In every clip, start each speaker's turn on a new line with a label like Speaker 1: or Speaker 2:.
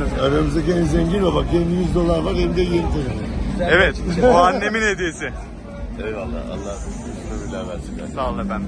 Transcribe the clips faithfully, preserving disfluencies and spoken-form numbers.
Speaker 1: Aramızdaki en zengin o bak. Hem yüz dolar var hem de yeni telefon.
Speaker 2: Evet, o annemin hediyesi.
Speaker 1: Eyvallah. Allah üstüne bile versin.
Speaker 2: Sağ olun efendim.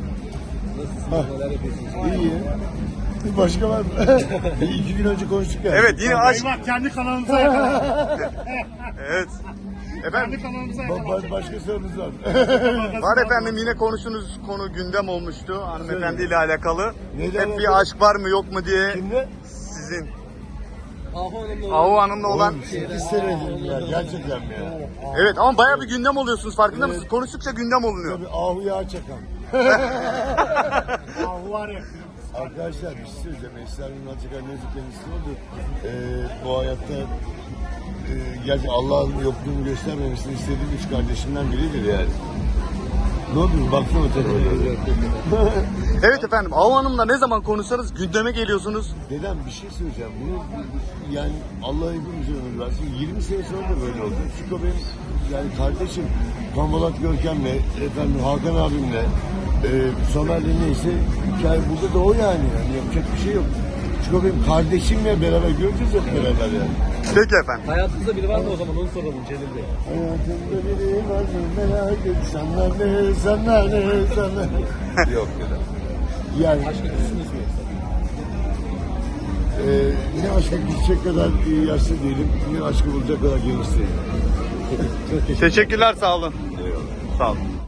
Speaker 1: İyi. Başka var mı? İki gün önce konuştuk ya.
Speaker 2: Evet, yine aşk.
Speaker 3: Eyvah, kendi kanalımıza yakalandık.
Speaker 2: Evet. Efendim,
Speaker 3: Kendi kanalımıza
Speaker 1: Ba-
Speaker 3: yakalandık.
Speaker 1: ba- başka sorunuz var.
Speaker 2: var efendim, yine konuştuğunuz konu gündem olmuştu hanımefendiyle alakalı.
Speaker 1: Neden
Speaker 2: Hep
Speaker 1: oldu?
Speaker 2: bir aşk var mı yok mu diye
Speaker 1: Kimle?
Speaker 2: sizin
Speaker 4: Ahu Hanım'la
Speaker 2: Ahu Hanım'la olan.
Speaker 1: Oğlum, sekiz senedir ya. Gerçekten mi ya?
Speaker 2: Evet ama bayağı bir gündem oluyorsunuz, farkında
Speaker 1: Evet.
Speaker 2: mısınız? Konuştukça gündem olunuyor.
Speaker 1: Tabii ahu yağı çakan.
Speaker 3: Ahu var ya.
Speaker 1: Arkadaşlar bir şey söyleyeceğim. Esra'nın Alçakan ne kendisi oldu. Ee, bu hayatta e, gerçi Allah'ın yokluğunu göstermemesini istediğim üç kardeşimden biridir yani. Ne oldu? Baksana tekrar.
Speaker 2: Evet efendim, Ahu Hanım'la ne zaman konuşsanız gündeme geliyorsunuz.
Speaker 1: Dedem bir şey söyleyeceğim. Bunu yani Allah hepimize ömür versin. yirmi sene sonra da böyle oldu. Çünkü o benim yani kardeşim Pambalat Görkem'le, efendim Hakan abimle, e, Somer'le neyse hikaye burada da o yani. yani. Yapacak bir şey yok. Çünkü o benim kardeşimle beraber göreceğiz hep beraber yani.
Speaker 2: Peki efendim.
Speaker 4: hayatınızda biri var mı o zaman onu soralım Celil Bey.
Speaker 1: Hayatımda biri var mı merak et. Sanlar ne, sanlar ne, sanlar ne. Yok dedem. Yani
Speaker 4: Aşkı küsünüz mü yoksa?
Speaker 1: e, ne aşka gidecek kadar e, yaşlı değilim, ne aşkı bulacak kadar genç değilim.
Speaker 2: Teşekkürler, sağ olun.
Speaker 1: Eyvallah.
Speaker 2: Sağ olun.